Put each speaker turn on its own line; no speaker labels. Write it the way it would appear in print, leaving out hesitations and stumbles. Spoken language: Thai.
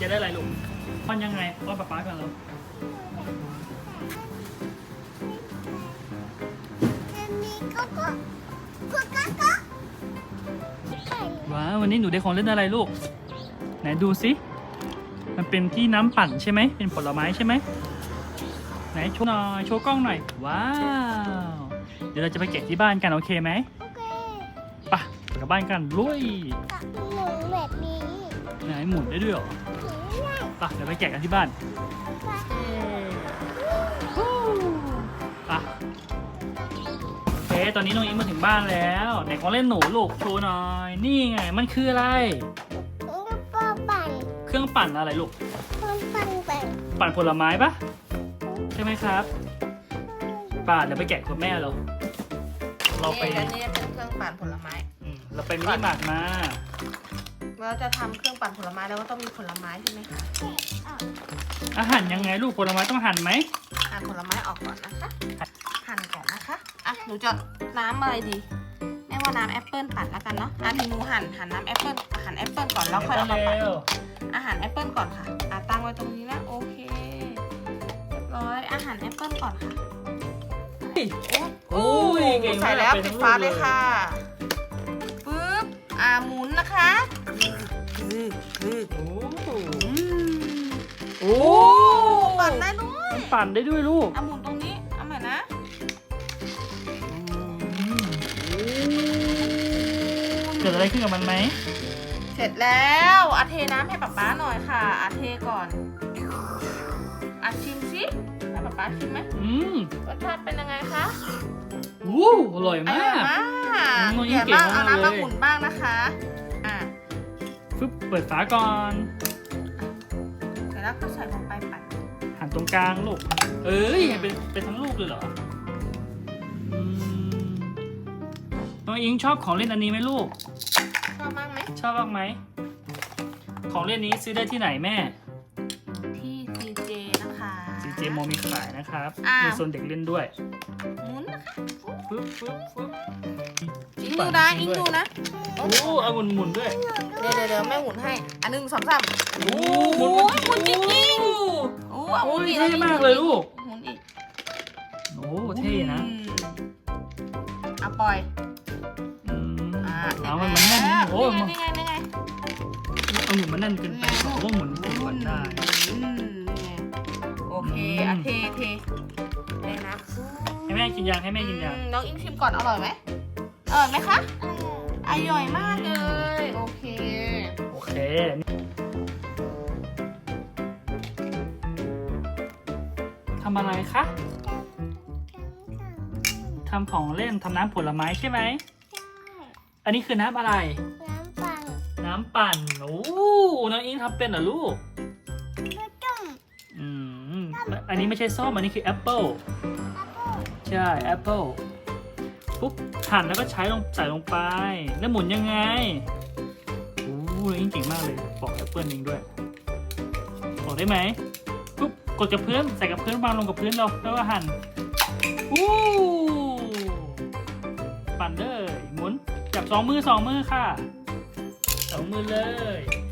จะได้อะไรลูกป้อนยังไงป้อนป๊ากันแล้วว้าววันนี้หนูได้ของเล่นอะไรลูกไหนดูสิมันเป็นที่น้ำปั่นใช่ไหมเป็นผลไม้ใช่ไหมไหนโชว์หน่อยโชว์กล้องหน่อยว้าวเดี๋ยวเราจะไปแกะที่บ้านกันโอเคไหมไปกลับบ้านกันลุย
หนูแบบนี้
ไหนหมุนได้ด้วยเหรอไปเดี๋ยวไปแกะกันที่บ้านไปโอเคตอนนี้น้องอิงมาถึงบ้านแล้วไหนของเล่นหนูลูกโชว์หน่อยนี่ไงมันคืออะไร
ก็ปั่น
เครื่องปั่นอะไรลูก ปั่นผลไม้ปะใช่ไหมครับป่าเดี๋ยวไปแกะกับแม่เราไป
อันนี้เป็นเครื่องปั่นผลไม้
เราไปมินิมาร์ทมา
เราจะทำเครื่องปั่นผลไม้แล้วก็ต้องมีผลไม้ใช่ไหมคะ
อาหารยังไงลูกผลไม้ต้องหั่นไหม
หั่นผลไม้ออกก่อนนะคะหั่นก่อนนะคะอ่ะหนูจะน้ำอะไรดีแม่ว่าน้ำแอปเปิลปั่นแล้วกันเนาะอ่ะทีหนูหั่นน้ำแอปเปิลหั่นแอปเปิลก่อนแล้วค่อยเอามาปั่น
เร็ว
อาหารแอปเปิลก่อนค่ะตั้งไว้ตรงนี้นะโอเคเรียบร้อยอาหารแอปเปิลก่อนค่ะ
โอ้ยเก่งมาก
ใส่แล้ว
ไป
ปิ
ทั้
ด
ง
ฟ้า
ลูก
เลยค่ะปึ๊บหมุนนะคะคือ
โอ้
โอ้ปั่นได้ด้วย
มันปั่นได้ด้วยลูก
หมุนตรงนี้เอาใหม่นะ
เกิดอะไรขึ้นกับมันไหม
เสร็จแล้วเทน้ำให้ป๊าหน่อยค่ะเทก่อนชิมสิให้ป๊าชิมไหมรสชาติเป็นยังไงคะ
วู้อร่อย
อ
มา
ร่อย
ก
มาก
น้องอิ
เดี๋
ง
ยว
เก่ง
เอา
มาก
น้ำ
เล
มาย หมุนบ้างนะคะ
ฟึบเปิดฝาก่อน
เดี๋ยวเราก็ใส่ลงไปปั่น
หั่นตรงกลางลูกเอ้ยเป็นทั้งลูกเลยเหรอน้องอิงชอบของเล่นอันนี้ไหมลูก
ชอบมากไหม
ชอบบ้างไหมของเล่นนี้ซื้อได้ที่ไหนแม่
ที่ CJ นะคะ
CJ โมมีขายนะครับ
อ้าว
มีโซนเด็กเล่นด้วย
หมุนนะคะ
ฟึบฟึบฟึบ
อิงดูนะอิงดูนะ
โอ้เอาหมุนด้วย
เดี๋ยวแม่หมุนให้1 2 3
โอ้
หมุนจริงๆโอ้หมุนอีก
เท่มากเลยลูก
หมุนอีก
โอ้เท่นะ
ปล่อย
เอามันแน่นโอ้
นี่ไง
เอาหมุนมันแน่นเกินไปเพราะว่าหมุนติดก่อนได้
นี่ไงโอเคเทเลยนะ
ให้แม่กินยางให้แม่กินยาง
น้องอิงชิมก่อนอร่อยไหมอร่อยไหมคะอร่อยมากเลยโอเค
โอเคทำอะไรคะทำของเล่นทำน้ำผลไม้ใช่ไหมอันนี้คือน้ำอะไร น้ำปั่นโอ้น้องอิงทำเป็นเหรอลูกอันนี้ไม่ใช่ส้มอันนี้คือแอปเปิลใช่แอปเปิลปุ๊บหั่นแล้วก็ใส่ลงไปแล้วหมุนยังไงโอ้น้องอิงเก่งมากเลยปอกแอปเปิลเองด้วยปอกได้ไหมปุ๊บกดกับพื้นใส่กับพื้นวางลงกับพื้นเราแล้วก็หั่นปั่นเลยหมุนจับ2 มือค่ะ2 มือเลย